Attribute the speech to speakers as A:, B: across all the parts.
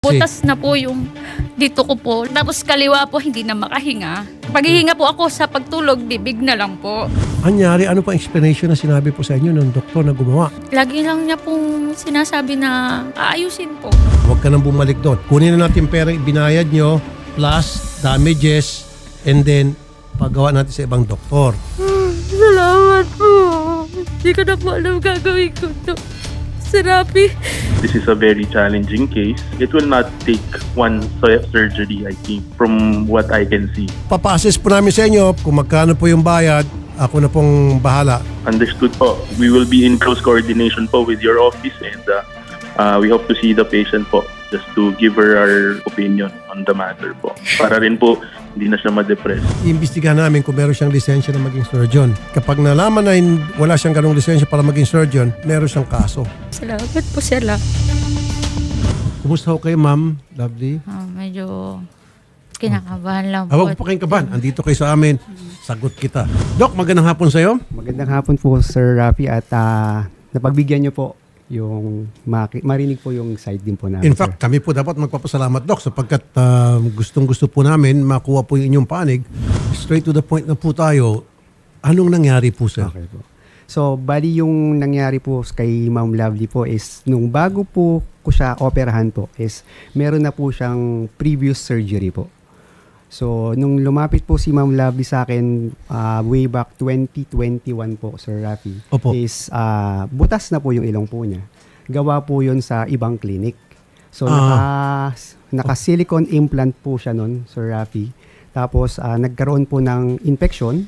A: butas na po yung dito ko po. Tapos kaliwa po, hindi na makahinga. Paghihinga po ako sa pagtulog, bibig na lang po.
B: Anyari, ano pa explanation na sinabi po sa inyo ng doktor na gumawa?
A: Lagi lang niya pong sinasabi na aayusin po.
B: Huwag ka nang bumalik doon. Kunin na natin pera ibinayad nyo plus damages and then paggawa natin sa ibang doktor.
A: Salamat po. Hindi ko na po alam gagawin ko to. Serapi.
C: This is a very challenging case. It will not take one surgery, I think, from what I can see.
B: Papa-assess po namin sa inyo kung magkano po yung bayad. Ako na pong bahala.
C: Understood po. We will be in close coordination po with your office and we hope to see the patient po just to give her our opinion on the matter po. Para rin po hindi na siya ma-depress.
B: Iimbestigahan namin kung meron siyang lisensya na maging surgeon. Kapag nalaman na wala siyang ganong lisensya para maging surgeon, meron siyang kaso.
A: Salamat po sila.
B: Kumusta ho kayo, ma'am? Lovely.
A: Medyo kinakabahan lang po.
B: Huwag po kayong kabahan. Andito kayo sa amin. Sagot kita. Doc, magandang hapon sa'yo.
D: Magandang hapon po, Sir Rafi, at napagbigyan niyo po yung marinig po yung side din po namin.
B: In fact, kami po dapat magpapasalamat, Doc, sapagkat gustong-gusto po namin makuha po yung inyong panig. Straight to the point na po tayo. Anong nangyari po, sir?
D: Okay po. So, bali yung nangyari po kay Ma'am Lovely po is nung bago po ko siya operahan po is meron na po siyang previous surgery po. So, nung lumapit po si Ma'am Lovely sa akin way back 2021 po, Sir Rafi,
B: Opo.
D: is butas na po yung ilong po niya. Gawa po yun sa ibang clinic. So, naka-silicone implant po siya nun, Sir Rafi. Tapos, nagkaroon po ng infection.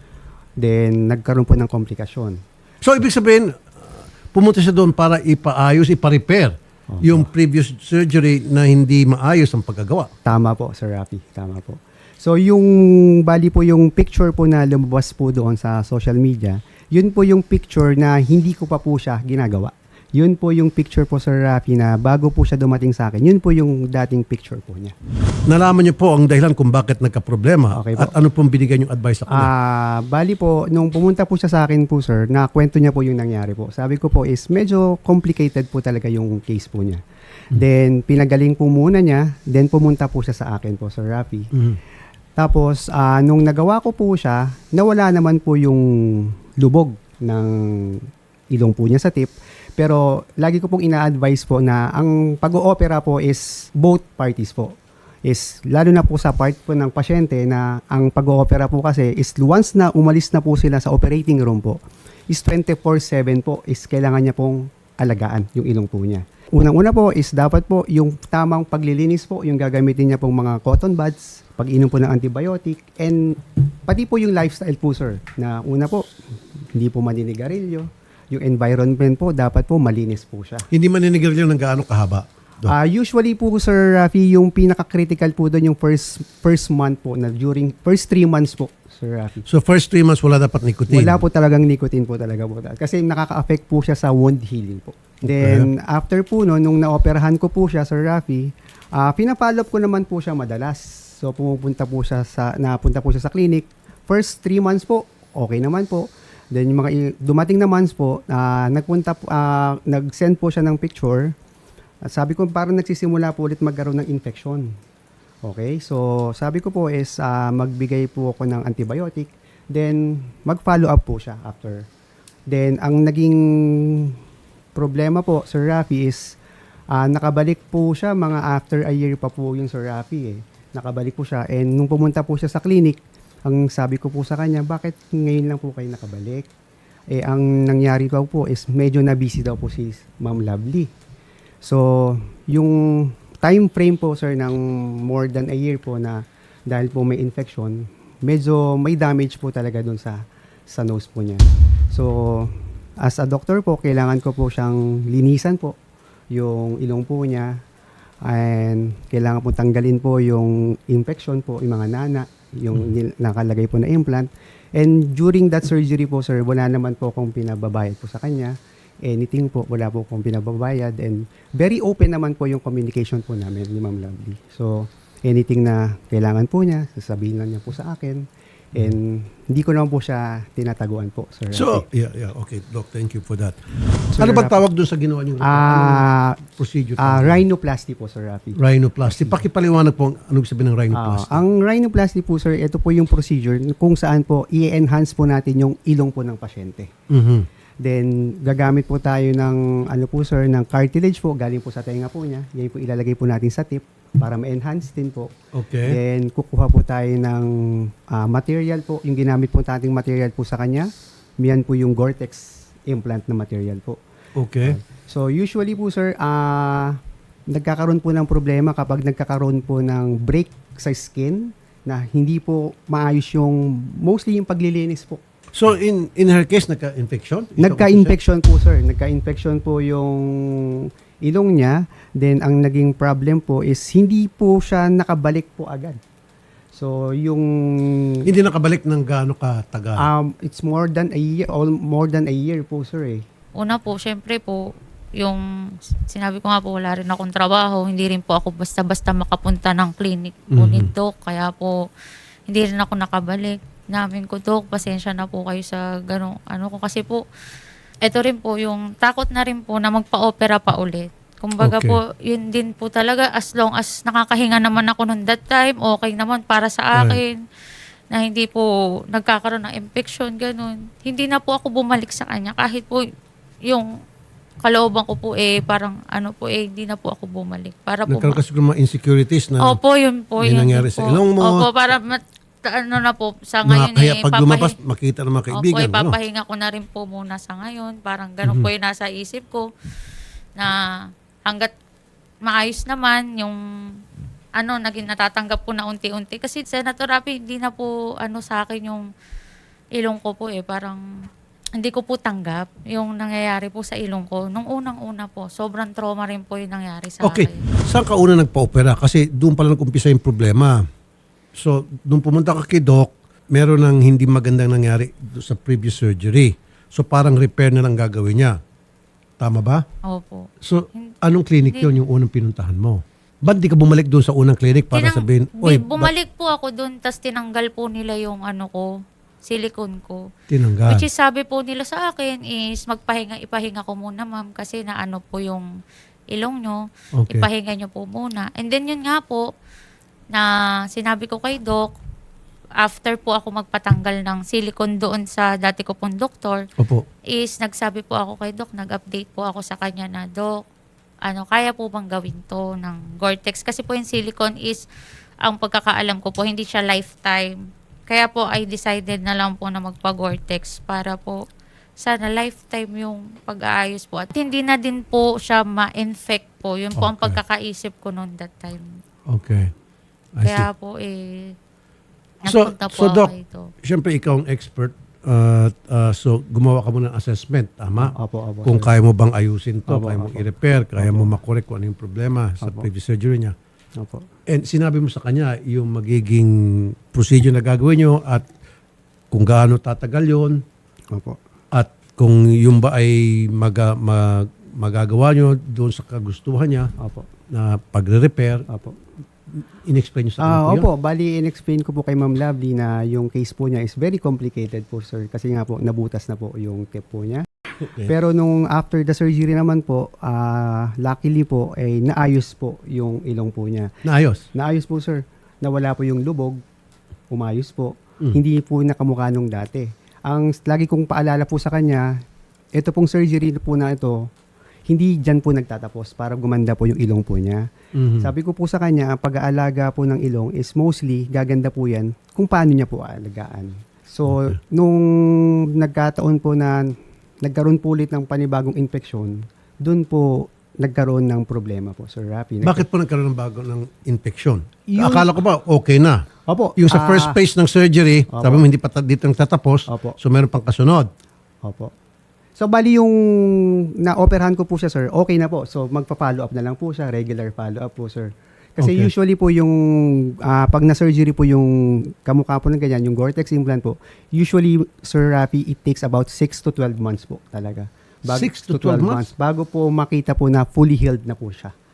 D: Then, nagkaroon po ng komplikasyon.
B: So, ibig sabihin, pumunta siya doon para ipaayos, ipa-repair yung previous surgery na hindi maayos ang pagkagawa.
D: Tama po, Sir Rafi. Tama po. So, yung bali po yung picture po na lumabas po doon sa social media, yun po yung picture na hindi ko pa po siya ginagawa. Yun po yung picture po, Sir Rafi, na bago po siya dumating sa akin, yun po yung dating picture po niya.
B: Nalaman niyo po ang dahilan kung bakit nagka-problema
D: Okay po.
B: at ano pong binigay yung advice sa kanya?
D: Bali po, nung pumunta po siya sa akin po, sir, nakwento niya po yung nangyari po. Sabi ko po is medyo complicated po talaga yung case po niya. Then, pinagaling po muna niya, then pumunta po siya sa akin po, Sir Rafi. Tapos, nung nagawa ko po siya, nawala naman po yung lubog ng ilong po niya sa tip. Pero lagi ko pong ina-advise po na ang pag-oopera po is both parties po. Is lalo na po sa part po ng pasyente na ang pag-oopera po kasi is once na umalis na po sila sa operating room po, is 24/7 po is kailangan niya pong alagaan yung ilong po niya. Unang-una po is dapat po yung tamang paglilinis po, yung gagamitin niya pong mga cotton buds, pag-inom po ng antibiotic, and pati po yung lifestyle po, sir, na una po, hindi po maninigarilyo. Yung environment po, dapat po malinis po siya.
B: Hindi maninigarilyo ng gaano kahaba?
D: Usually po, Sir Rafi, yung pinaka-critical po doon yung first month po, na during first 3 months po, Sir Rafi.
B: So first 3 months wala dapat nicotine?
D: Wala po talagang nicotine po talaga po. Kasi nakaka-affect po siya sa wound healing po. Then, after po no, nung naoperahan ko po siya, Sir Rafi, pinapollow up ko naman po siya madalas. So, napunta po siya sa clinic. First 3 months po, okay naman po. Then, yung mga dumating na months po, nag-send po siya ng picture. At sabi ko, parang nagsisimula po ulit magkaroon ng infection. Okay? So, sabi ko po is magbigay po ako ng antibiotic. Then, mag-follow up po siya after. Then, ang naging problema po, Sir Rafi, is nakabalik po siya mga after a year pa po yung Sir Rafi. Nakabalik po siya. And nung pumunta po siya sa clinic, ang sabi ko po sa kanya, bakit ngayon lang po kayo nakabalik? Ang nangyari po is medyo na-busy daw po si Ma'am Lovely. So, yung time frame po, sir, ng more than a year po na dahil po may infection, medyo may damage po talaga dun sa nose po niya. So, as a doctor po, kailangan ko po siyang linisan po yung ilong po niya, and kailangan po tanggalin po yung infection po, yung mga nana, yung nakalagay po na implant. And during that surgery po, sir, wala naman po akong pinababayad po sa kanya. Anything po, wala po akong pinababayad. And very open naman po yung communication po namin ni Ma'am Lovely. So, anything na kailangan po niya, sasabihin lang niya po sa akin. And hindi ko naman po siya tinataguan po, Sir
B: So,
D: Rafi.
B: okay, Doc, thank you for that.
D: Sir
B: Ano ba
D: Rafi.
B: tawag doon sa ginawa niyo? Procedure?
D: Rhinoplasty po, Sir Rafi.
B: Rhinoplasty. Pakipaliwanag po ano ibig sabihin ng rhinoplasty.
D: Ang rhinoplasty po, sir, ito po yung procedure kung saan po i-enhance po natin yung ilong po ng pasyente.
B: Mhm.
D: Then, gagamit po tayo ng, ano po sir, ng cartilage po, galing po sa tenga po niya. Yan po ilalagay po natin sa tip para ma-enhance din po.
B: Okay.
D: Then, kukuha po tayo ng material po. Yung ginamit po nating material po sa kanya, yan po yung Gore-Tex implant na material po.
B: Okay.
D: So, usually po sir, nagkakaroon po ng problema kapag nagkakaroon po ng break sa skin na hindi po maayos yung, mostly yung paglilinis po.
B: So in her case nagka-infection?
D: Nagka-infection po sir. Nagka-infection po yung ilong niya. Then ang naging problem po is hindi po siya nakabalik po agad. So yung
B: Hindi nakabalik ng gaano katagal.
D: it's more than a year, more than a year po sir eh.
A: Una po, syempre po, yung sinabi ko nga po, wala rin akong trabaho. Hindi rin po ako basta-basta makapunta ng clinic po ni Doc. Kaya po, hindi rin ako nakabalik. Namin ko, Doc, pasensya na po kayo sa gano'ng ano ko. Kasi po, eto rin po, yung takot na rin po na magpa-opera pa ulit. Kumbaga
B: Okay.
A: po, yun din po talaga, as long as nakakahinga naman ako noon that time, okay naman para sa akin. Na hindi po nagkakaroon ng infection, ganun. Hindi na po ako bumalik sa kanya. Kahit po yung kalooban ko po parang ano po hindi na po ako bumalik. Para po
B: Nagkaroon kasi ng mga insecurities na
A: Opo, yun po.
B: may
A: Yun
B: nangyari
A: din
B: sa
A: po.
B: ilong mo.
A: Opo, para ano na po, sa ngayon
B: nakakaya pag lumabas makita ng mga kaibigan.
A: Opo,
B: ano?
A: ipapahinga ko na rin po muna sa ngayon. Parang ganun po yung nasa isip ko na hanggat maayos naman yung naging natatanggap ko na unti-unti. Kasi Senator Rafi, hindi na po sa akin yung ilong ko po parang hindi ko po tanggap yung nangyayari po sa ilong ko. Nung unang-una po, sobrang trauma rin po yung nangyari sa
B: Okay.
A: akin.
B: Saan ka una nagpa-opera? Kasi doon pala nag-umpisa yung problema. So, doon pumunta ka kay Doc, meron ng hindi magandang nangyari sa previous surgery. So, parang repair na lang gagawin niya. Tama ba?
A: Opo.
B: So, anong clinic yun yung unang pinuntahan mo? Ba't di ka bumalik doon sa unang clinic para sabihin, oy,
A: bumalik po ako doon, tas tinanggal po nila yung silicone ko.
B: tinanggal?
A: Which is sabi po nila sa akin is ipahinga ko muna ma'am kasi na po yung ilong nyo.
B: Okay.
A: Ipahinga nyo po muna. And then yun nga po, na sinabi ko kay Doc, after po ako magpatanggal ng silicone doon sa dati ko pong doktor,
B: Opo.
A: is nagsabi po ako kay Doc, nag-update po ako sa kanya na, Doc, kaya po bang gawin to ng Gore-Tex? Kasi po yung silicone is, ang pagkakaalam ko po, hindi siya lifetime. Kaya po, I decided na lang po na magpa-Gore-Tex para po, sana lifetime yung pag-aayos po. At hindi na din po siya ma-infect po. Yun po ang
B: Okay.
A: pagkakaisip ko noon that time.
B: Okay. I see.
A: Kaya po,
B: So,
A: nagpunta po
B: so
A: ako
B: Doc,
A: dito.
B: siyempre ikaw ang expert. So, gumawa ka muna ng assessment, tama?
D: Opo, opo.
B: Kung
D: sir.
B: kaya mo bang ayusin to,
D: Opo,
B: kaya mo
D: opo.
B: i-repair, kaya mo makorek kung ano yung problema sa
D: Opo.
B: previous surgery niya.
D: Opo.
B: And sinabi mo sa kanya yung magiging procedure na gagawin nyo at kung gaano tatagal yun
D: Opo.
B: at kung yung ba ay magagawa nyo doon sa kagustuhan niya
D: Opo.
B: na pagre-repair,
D: Opo.
B: in-explain nyo sa kanya po yun?
D: Opo, bali in-explain ko po kay Ma'am Lovely na yung case po niya is very complicated po sir kasi nga po nabutas na po yung tip po niya.
B: Okay.
D: Pero nung after the surgery naman po, luckily po ay naayos po yung ilong po niya.
B: Naayos?
D: Naayos po sir. Nawala po yung lubog, umayos po. Hindi po nakamukha nung dati. Ang lagi kong paalala po sa kanya, ito pong surgery po na ito, hindi dyan po nagtatapos para gumanda po yung ilong po niya.
B: Mhm.
D: Sabi ko po sa kanya, ang pag-aalaga po ng ilong is mostly gaganda po yan kung paano niya po aalagaan. So, nung nagkataon po na nagkaroon po ulit ng panibagong infeksyon, doon po nagkaroon ng problema po, Sir Rafi.
B: Bakit po nagkaroon ng bago ng infection?
D: Yung-
B: Akala ko ba okay na?
D: Opo.
B: Yung sa first phase ng surgery,
D: Opo.
B: sabi mo hindi pa dito nagtatapos,
D: Opo.
B: so meron pang kasunod.
D: Opo. So, bali yung na-operahan ko po siya, sir, okay na po. So, magpa-follow up na lang po siya, regular follow-up po, sir. Kasi
B: Okay.
D: usually po yung, pag na-surgery po yung kamukha po ng ganyan, yung Gore-Tex implant po, usually, Sir Rafi, it takes about 6 to 12 months po talaga.
B: 6 to 12 months?
D: Bago po makita po na fully healed na po siya.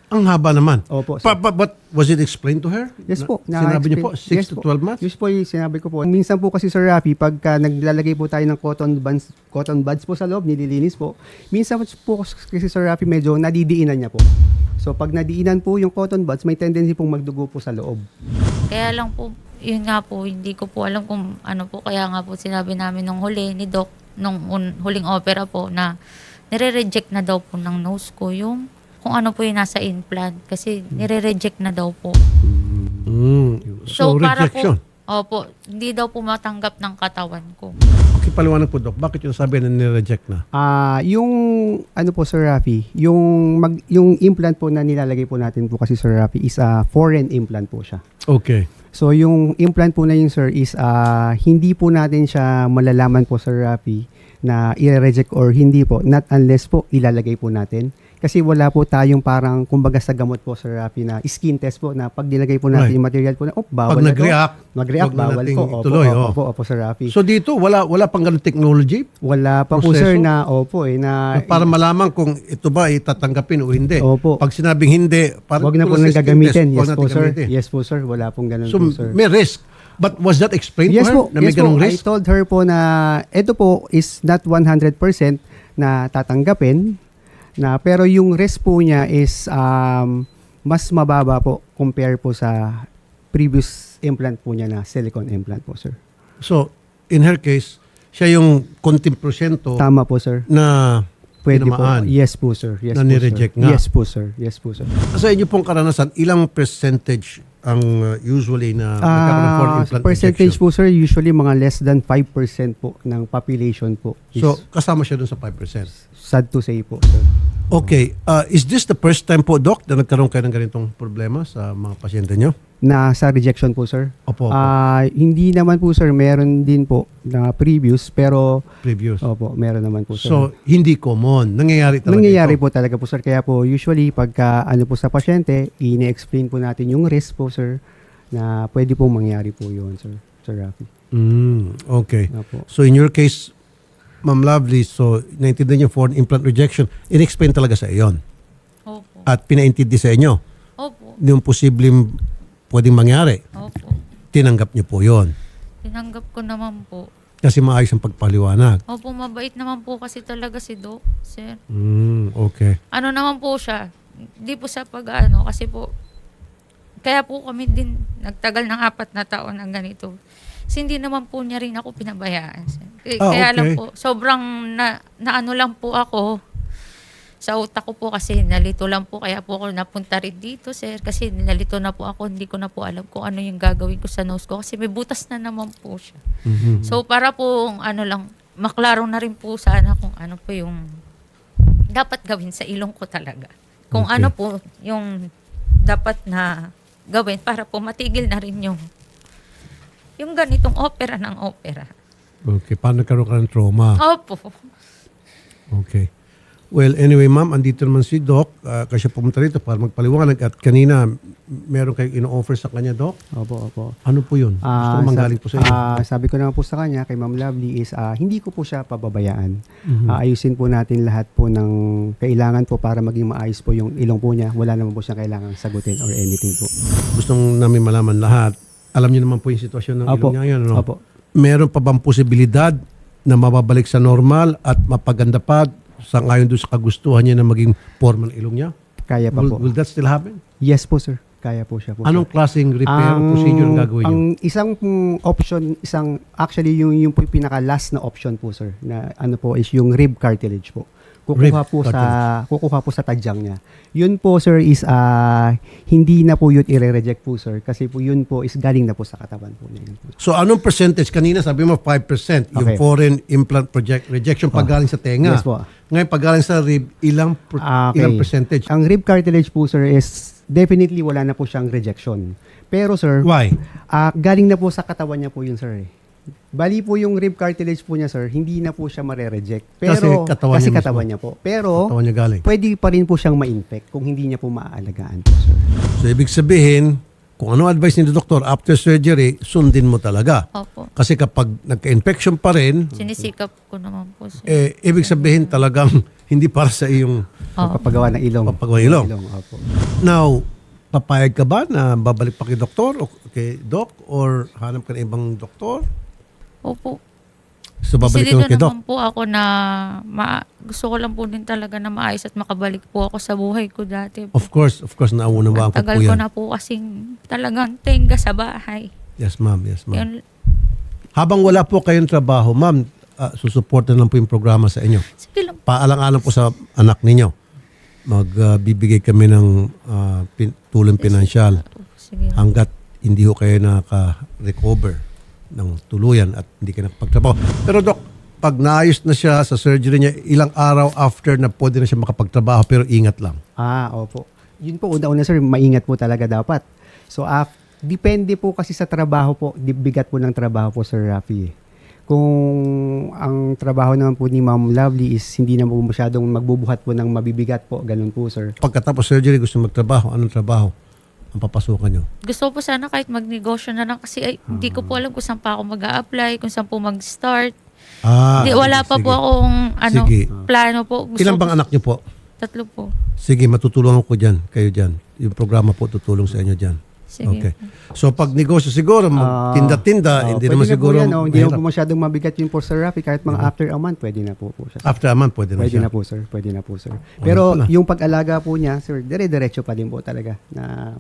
B: Ang haba naman.
D: Opo, sir.
B: But was it explained to her?
D: Yes po.
B: Sinabi niyo po, 6
D: Yes
B: to
D: po.
B: 12 months?
D: Yes po, yung sinabi ko po. Minsan po kasi Sir Rafi, pagka naglalagay po tayo ng cotton buds po sa loob, nililinis po. Minsan po kasi Sir Rafi, medyo nadidiinan niya po. So pag nadiinan po yung cotton buds, may tendency pong magdugo po sa loob.
A: Kaya lang po, yun nga po, hindi ko po alam kung ano po. Kaya nga po sinabi namin nung huli ni Doc, nung huling opera po, na nire-reject na daw po ng nose ko yung kung ano po yung nasa implant. Kasi nire-reject na daw po.
B: So, rejection.
A: Opo, hindi daw po matanggap ng katawan ko.
B: Okay, paliwanag po, Doc. Bakit yung sabi na nireject na?
D: Yung ano po Sir Rafi, yung implant po na nilalagay po natin po kasi Sir Rafi is a foreign implant po siya.
B: Okay.
D: So yung implant po na yun sir is hindi po natin siya malalaman po Sir Rafi na i-reject or hindi po, not unless po ilalagay po natin. Kasi wala po tayong parang kumbaga sa gamot po Sir Rafi na skin test po na pag nilagay po natin
B: Right.
D: yung material po na bawal
B: Pag
D: na to.
B: nag-react,
D: Mag-react,
B: wag na
D: bawal
B: nating
D: po.
B: ituloy,
D: Opo, Sir Rafi.
B: So dito, wala pang ganun technology
D: Wala pa po
B: proseso?
D: sir na na
B: para malaman kung ito ba itatanggapin o hindi.
D: Opo.
B: Pag sinabing hindi, parang
D: Wag na po
B: tulad
D: nang
B: sa skin
D: gagamitin.
B: test, wag
D: Yes
B: natin
D: po sir.
B: gamitin.
D: Yes po sir. Wala pong ganun
B: So
D: po sir.
B: may risk. But was that explained
D: Yes
B: to her?
D: po.
B: Na may
D: Yes po.
B: ganung
D: I
B: risk?
D: told her po na ito po is not 100% na tatanggapin na pero yung risk po niya is mas mababa po compare po sa previous implant po niya na silicone implant po sir.
B: So, in her case, siya yung konting porsyento
D: Tama po sir.
B: na
D: Pwede po.
B: tinamaan.
D: Yes po sir. Yes
B: Na
D: po
B: nireject
D: sir.
B: nga.
D: Yes po sir. Yes po sir.
B: Sa inyo pong karanasan, ilang percentage ang usually na nagkakaroon ng foreign implant
D: Percentage
B: rejection?
D: po sir, usually mga less than 5% po ng population po. Is
B: So, kasama siya dun sa 5%.
D: sad to say po sir.
B: Okay. Is this the first time po, Doc, na nagkaroon kayo ng ganitong problema sa mga pasyente nyo?
D: Na sa rejection po sir.
B: Opo.
D: Hindi naman po sir, meron din po na previous pero
B: Previous.
D: opo, meron naman po sir.
B: So, hindi common. Nangyayari talaga
D: Nangyayari
B: ito.
D: po talaga po sir. Kaya po usually pagka ano po sa pasyente, ini-explain po natin yung risk po sir na pwede po mangyari po yun sir. Sir Rafi.
B: Okay.
D: Opo.
B: So, in your case, Ma'am Lovely, so, naintindihan yung foreign implant rejection, in-explain talaga sa iyon.
A: Opo.
B: At pinaintindi sa inyo
A: Opo.
B: yung posibleng pwedeng mangyari.
A: Opo.
B: Tinanggap niyo po yon
A: Tinanggap ko naman po.
B: kasi maayos ang pagpaliwanag.
A: Opo, mabait naman po kasi talaga si Doc, sir.
B: Okay.
A: Ano naman po siya, hindi po sa pag-ano, kasi po, kaya po kami din nagtagal ng 4 na taon ng ganito. Kasi hindi naman po niya rin ako pinabayaan. Sir. Kaya lang
B: okay.
A: po, sobrang naano lang po ako sa utak ko po kasi nalito lang po. Kaya po ako napunta rin dito, sir. Kasi nalito na po ako, hindi ko na po alam kung ano yung gagawin ko sa nose ko. Kasi may butas na naman po siya. So para po, ano lang, maklaro na rin po sana kung ano po yung dapat gawin sa ilong ko talaga. Kung
B: Okay.
A: ano po yung dapat na gawin para po matigil na rin yung ganitong opera ng opera.
B: Okay. Paano nagkaroon ka ng trauma?
A: Opo.
B: Okay. Well, anyway, ma'am, andito naman si Doc. Kasi siya pumunta rito para magpaliwanag. At kanina, meron kayong ino-offer sa kanya, Doc.
D: Opo.
B: Ano po yun? Gusto ko manggaling po sa inyo.
D: Sabi ko naman po sa kanya, kay Ma'am Lovely, is hindi ko po siya pababayaan. Ayusin po natin lahat po ng kailangan po para maging maayos po yung ilong po niya. Wala naman po siyang kailangan sagutin or anything po.
B: Gustong namin malaman lahat. Alam niyo naman po yung sitwasyon ng ilong niya ngayon. Ano?
D: Opo.
B: Meron pa bang posibilidad na mababalik sa normal at mapaganda pa sa ngayon doon sa kagustuhan niya na maging forma ng ilong niya?
D: Kaya pa po.
B: Will that still happen?
D: Yes po sir. Kaya po siya po.
B: Anong klaseng repair o procedure ang gagawin niyo?
D: Ang isang option, actually yung po yung pinaka-last na option po sir, na ano po is yung rib cartilage po. Kukuha po sa tadyang niya. Yun po sir is hindi na po yun i-reject po sir kasi po yun po is galing na po sa katawan po niya.
B: So anong percentage? Kanina sabi mo 5% yung
D: Okay.
B: foreign implant rejection pag galing sa tenga.
D: Yes po.
B: Ngayon pag galing sa rib, ilang percentage?
D: Ang rib cartilage po sir is definitely wala na po siyang rejection. Pero sir,
B: Why?
D: galing na po sa katawan niya po yun sir. Bali po yung rib cartilage po niya sir, hindi na po siya mare-reject. Pero
B: Kasi katawan niya
D: niya po. Pero
B: Katawan niya galing.
D: pwede pa rin po siyang ma-infect kung hindi niya po maaalagaan po sir.
B: So ibig sabihin, kung ano advice ni doktor after surgery, sundin mo talaga.
A: Opo.
B: Kasi kapag nagka-infection pa rin,
A: Sinisikap ko naman po, sir.
B: ibig sabihin talagang hindi para sa iyong
D: Papagawa ng ilong.
B: Papagawa ng ilong.
D: Opo.
B: Now, papayag ka ba na babalik pa kay doktor o kay doc or hanap ka ng ibang doktor?
A: Opo.
B: So, babalik
A: Kasi
B: ka lang kay doc?
A: naman po ako na gusto ko lang po din talaga na maayos at makabalik po ako sa buhay ko dati po.
B: Of course, naunawaan ko po
A: Tagal ko
B: yan.
A: na po kasing talagang tenga sa bahay.
B: Yes, ma'am. Yes, ma'am.
A: Yun,
B: Habang wala po kayong trabaho, ma'am, susuportan lang po yung programa sa inyo.
A: sige lang.
B: Paalang-alang po sa anak ninyo. Magbibigay kami ng tulong pinansyal
A: Sige.
B: hanggat hindi ho kayo naka-recover ng tuluyan at hindi kayo nakapagtrabaho. Pero Doc, pag naayos na siya sa surgery niya, ilang araw after na pwede na siya makapagtrabaho pero ingat lang.
D: Opo. Yun po, una-una sir, maingat po talaga dapat. So, depende po kasi sa trabaho po, bigat po ng trabaho po, Sir Rafi. Kung ang trabaho naman po ni Ma'am Lovely is hindi na po masyadong magbubuhat po ng mabibigat po, ganun po, sir.
B: Pagkatapos surgery, gusto magtrabaho. Anong trabaho ang papasukan nyo?
A: Gusto ko po sana kahit magnegosyo na lang kasi hindi ko po alam kung saan pa ako mag-a-apply, kung saan po mag-start. Wala pa
B: sige.
A: po akong
B: Sige.
A: plano po.
B: Ilan bang anak nyo po?
A: 3 po.
B: Sige, matutulungan ko dyan, kayo dyan. Yung programa po tutulong sa inyo dyan.
A: Sige.
B: Okay. So pag negosyo siguro, magtinda-tinda, hindi naman
D: pwede na
B: siguro
D: po yan, hindi naman
B: mahirap.
D: po masyadong mabigat yun po, Sir Rafi. Kahit mga after a month, pwede na po siya.
B: After a month, pwede na
D: Pwede
B: siya.
D: na po, sir. Pwede na po, sir. Pero
B: pala.
D: yung pag-alaga po niya, sir, dire-diretso pa din po talaga na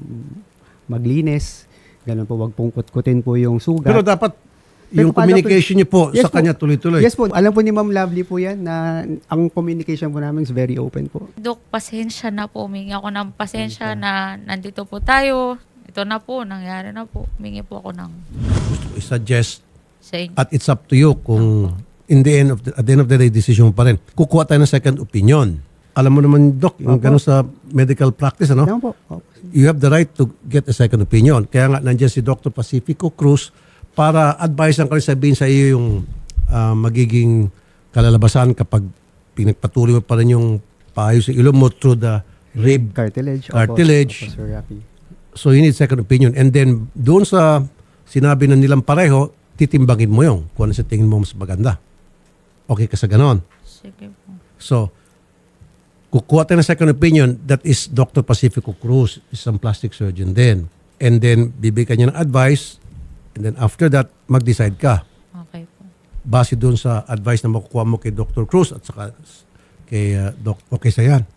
D: maglinis. Ganun po, wag pong kutkutin po yung sugat.
B: Pero dapat yung
D: paano
B: communication niyo po
D: Yes
B: sa
D: po.
B: kanya tuloy-tuloy.
D: Yes po, alam po ni Ma'am Lovely po yan na ang communication po namin is very open po.
A: Dok, pasensya na po. Humingi ako ng pasensya na nandito po tayo. Ito na po, nangyari na po. Humingi po ako ng
B: I-suggest
A: sa inyo.
B: at it's up to you kung at the end of the day, decision mo pa rin. Kukuha tayo ng second opinion. Alam mo naman, Doc, yung
D: Opo.
B: gano'n sa medical practice, ano?
D: Yan po. Opo.
B: You have the right to get a second opinion. Kaya nga, nandiyan si Dr. Pacifico Cruz para advise lang kayo, sabihin sa iyo yung magiging kalalabasan kapag pinagpatuloy mo pa rin yung paayos sa ilong mo through the rib.
D: Cartilage.
B: Cartilage.
D: Opo, Sir Rafi.
B: So you need second opinion. And then, doon sa sinabi na nilang pareho, titimbangin mo yung kung ano sa tingin mo mas maganda. Okay ka sa ganon.
A: Sige po.
B: So, kukuha tayo ng second opinion, that is Dr. Pacifico Cruz, isang plastic surgeon din. And then, bibigyan niya ng advice, and then after that, mag-decide ka.
A: Okay po.
B: Base doon sa advice na makukuha mo kay Dr. Cruz at saka kay Doc. Okay sa yan.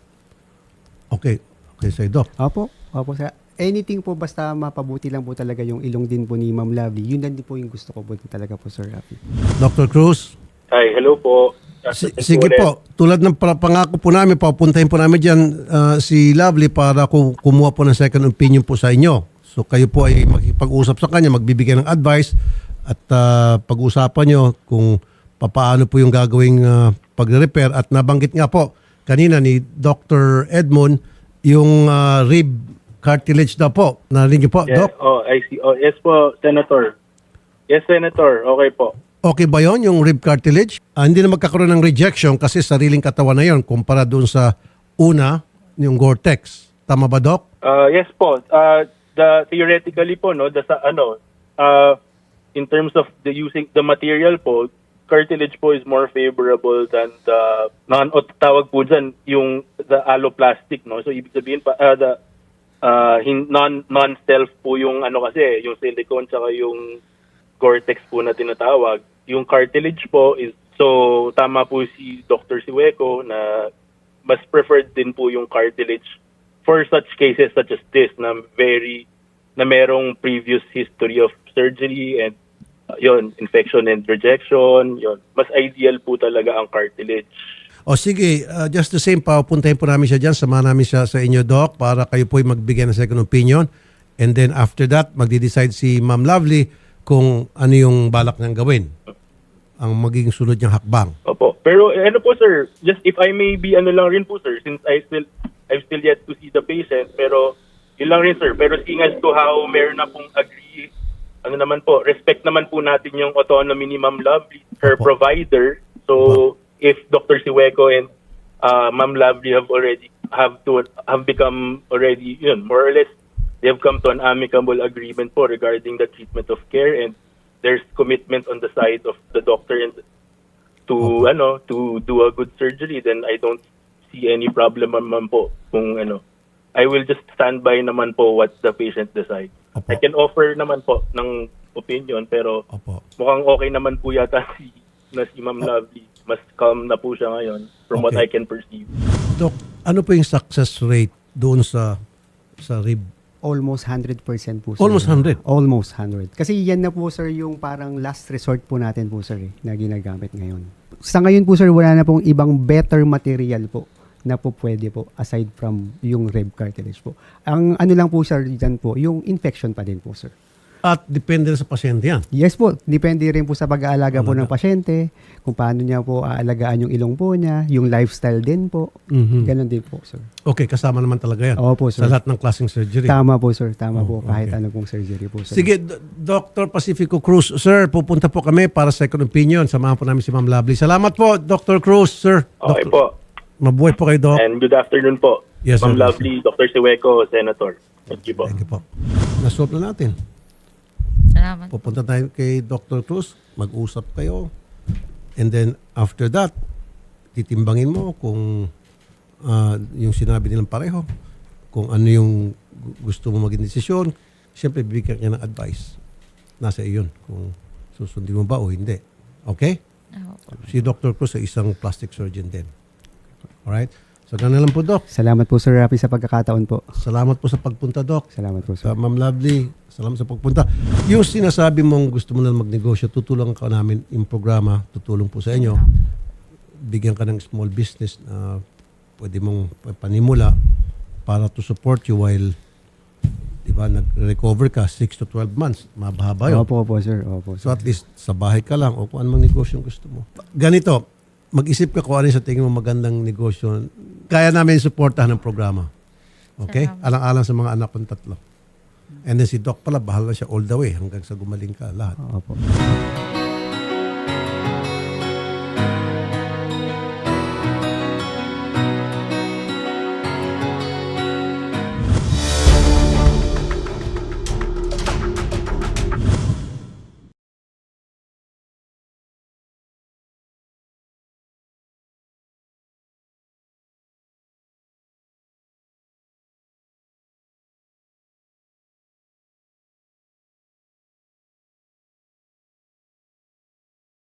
B: Okay. Okay sa Doc.
D: Opo. Opo, sir. Anything po basta mapabuti lang po talaga yung ilong din po ni Ma'am Lovely. Yun din po yung gusto ko po talaga po, Sir Rafi.
B: Dr. Cruz,
C: Hi, hello po.
B: sige po, tulad ng pangako po namin, papuntahin po namin dyan si Lovely para kumuha po ng second opinion po sa inyo. So kayo po ay makipag-usap sa kanya, magbibigay ng advice at pag-usapan nyo kung paano po yung gagawing pag-repair. At nabanggit nga po kanina ni Dr. Edmond yung rib cartilage daw po. Narinig niyo po,
C: Yeah.
B: Doc?
C: Oh, I see. Oh, yes po, Senator. Yes, Senator. Okay po.
B: Okay ba yon yung rib cartilage? Hindi na magkakaroon ng rejection kasi sariling katawan na yon kumpara doon sa una, yung Gore-Tex. Tama ba, Doc?
C: Yes po. Theoretically po, no, in terms of using the material po, cartilage po is more favorable than the tawag po dyan, the alloplastic, no. So ibig sabihin pa non-self po yung kasi, yung silicone tsaka yung Gore-Tex po na tinatawag. Yung cartilage po is, so tama po si Dr. Siweco na mas preferred din po yung cartilage for such cases such as this na merong previous history of surgery and infection and rejection, mas ideal po talaga ang cartilage.
B: O sige, just the same, papuntahin po namin siya dyan, samahan namin siya sa inyo, Doc, para kayo po magbigay ng second opinion. And then after that, magde-decide si Ma'am Lovely kung ano yung balak niyang gawin. Ang magiging sunod niyang hakbang.
C: Opo. Pero po sir, just if I may be lang rin po sir, since I've still yet to see the patient, pero yun lang rin sir. Pero seeing as to how meron na pong agree, naman po, respect naman po natin yung autonomy ni Ma'am Lovely, her
B: Opo.
C: provider. So if Dr. Siweco and Ma'am Lovely have become already, more or less, they have come to an amicable agreement po regarding the treatment of care, and there's commitment on the side of the doctor and to do a good surgery, then I don't see any problem naman po kung ano. I will just stand by naman po what the patient decides.
B: Opo.
C: I can offer naman po ng opinion, pero
B: Opo.
C: mukhang okay naman po yata si Ma'am Lovely. Mas calm na po siya ngayon from what
B: Okay.
C: I can perceive.
B: Doc, ano po yung success rate doon sa rib?
D: Almost 100% po, sir.
B: Almost 100?
D: Almost 100. Kasi yan na po, sir, yung parang last resort po natin po, sir, na ginagamit ngayon. Sa ngayon po, sir, wala na pong ibang better material po na po pwede po aside from yung rib cartilage po. Ang ano lang po, sir, dyan po, yung infection pa din po, sir.
B: At depende rin sa pasyente yan.
D: Yes po, depende rin po sa pag-aalaga po ng pasyente, kung paano niya po aalagaan yung ilong po niya, yung lifestyle din po.
B: Mhm.
D: Ganon din po, sir.
B: Okay, kasama naman talaga yan.
D: Opo, sir.
B: Sa lahat ng klaseng surgery.
D: Tama po, sir. Tama po.
B: okay.
D: Kahit ano pong surgery po, sir.
B: Sige, Dr. Pacifico Cruz. Sir, pupunta po kami para second opinion. Samahan po namin si Ma'am Lovely. Salamat po, Dr. Cruz, sir.
C: Okay
B: Dr.
C: po.
B: Mabuhay po kayo, Doc.
C: And good afternoon po.
B: Yes,
C: Ma'am
B: sir.
C: Lovely, Dr. Siweco, Senator. Thank you po.
B: Thank you po. Nasolve na natin.
A: Salamat.
B: Pupunta tayo kay Dr. Cruz, mag-usap kayo. And then after that, titimbangin mo kung yung sinabi nilang pareho, kung ano yung gusto mo maging desisyon. Siyempre, bibigyan ka ng advice. Nasa iyon kung susundin mo ba o hindi. Okay?
A: Opo.
B: Si Dr. Cruz ay isang plastic surgeon din. Alright? So, ganun lang po, Doc.
D: Salamat po, Sir Rafi, sa pagkakataon po.
B: Salamat po sa pagpunta, Doc.
D: Salamat po,
B: Sa
D: sir.
B: Ma'am Lovely, salamat sa pagpunta. Yung sinasabi mong gusto mo na magnegosyo, tutulungan ka namin yung programa, tutulong po sa inyo. Bigyan ka ng small business na pwede mong panimula para to support you while nag-recover ka 6 to 12 months. Mababa yun.
D: Opo, sir. Opo,
B: So
D: sir.
B: at least sa bahay ka lang o kung anong negosyo gusto mo. Ganito, mag-isip ka kung ano yung sa tingin mo magandang negosyo. Kaya namin suportahan ng programa. Okay?
A: Salamat.
B: Alang-alang sa mga anak kong tatlo. And then si Doc pala, bahala siya all the way hanggang sa gumaling ka lahat.
D: Opo.